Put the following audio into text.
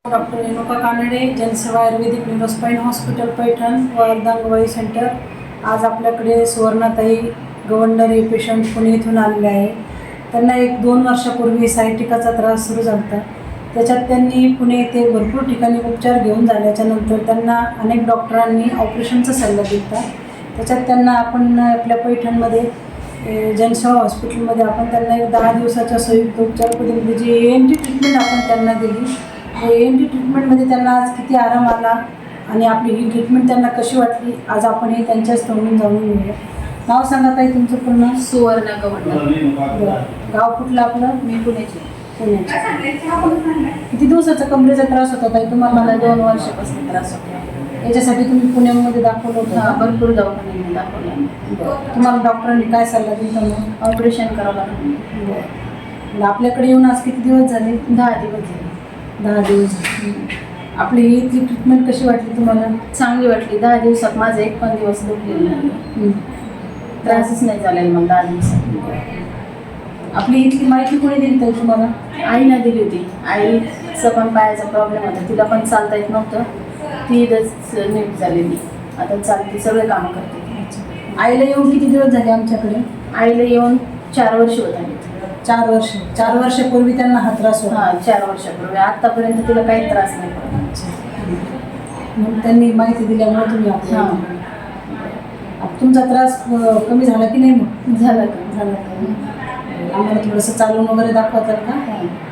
Doctor Renuka Kanade, जनसेवा आयुर्वेदिक neurospine hospital Paithan व अर्धांगवायू centre. आज आपल्याकडे सुवर्णाताई गवंडर हे पेशंट पुणे इथून आलेले आहे. त्यांना 1-2 वर्षापूर्वी सायटिकाचा त्रास सुरू झाला होता. त्याच्यात त्यांनी पुणे येथे भरपूर ठिकाणी उपचार घेऊन झाल्याच्यानंतर त्यांना अनेक डॉक्टरांनी ऑपरेशनचा सल्ला दिला. त्याच्यात त्यांना आपण आपल्या पैठणमध्ये जनसेवा हॉस्पिटलमध्ये आपण त्यांना 10 दिवसाच्या संयुक्त उपचार पद्धतीमध्ये जी ENT ट्रीटमेंट आपण त्यांना दिली. ENT ट्रीटमेंटमध्ये त्यांना आज किती आराम आला आणि आपली ही ट्रीटमेंट त्यांना कशी वाटली आज आपण हे त्यांच्याच तोंडून जाणून घेऊया. नाव सांगा ताई तुमचं पूर्ण? सुवर्ण गवंडर. गाव कुठलं आपलं? मी पुण्याची. किती दिवसाचा कमरेचा त्रास होता ताई तुम्हाला? मला 2 वर्षापासून त्रास होता. याच्यासाठी तुम्ही पुण्यामध्ये दाखवलं होतं? भरपूर दवाखान्यांनी दाखवलं. तुम्हाला डॉक्टरांनी काय सल्ला दिला मग? ऑपरेशन करावं लागलं. आपल्याकडे येऊन आज किती दिवस झाले? 10 दिवस झाले. 10 दिवस. आपली इथली ट्रीटमेंट कशी वाटली तुम्हाला? चांगली वाटली. 10 दिवसात माझं एक पण दिवस दुखलेला नाही. त्रासच नाही झालेला मला 10 दिवसात. आपली इथली माहिती कोणी दिली ताई तुम्हाला? आईनं दिली होती. आईचं पण पायाचा प्रॉब्लेम होता, तिला पण चालता येत नव्हतं. ती इथंच नीट झालेली. आता चालते, सगळे कामं करते. आईला येऊन किती दिवस झाले आमच्याकडे? आईला येऊन 4 वर्ष होत आली. 4 वर्ष. 4 वर्षापूर्वी त्यांना हा त्रास होता? 4 वर्षापूर्वी. आत्तापर्यंत तिला काही त्रास नाही पडला. मग त्यांनी माहिती दिल्यामुळे तुम्ही आपल्या तुमचा त्रास कमी झाला की नाही? मग झालं का? झाला का? आम्हाला थोडंसं चालून वगैरे दाखवतात का?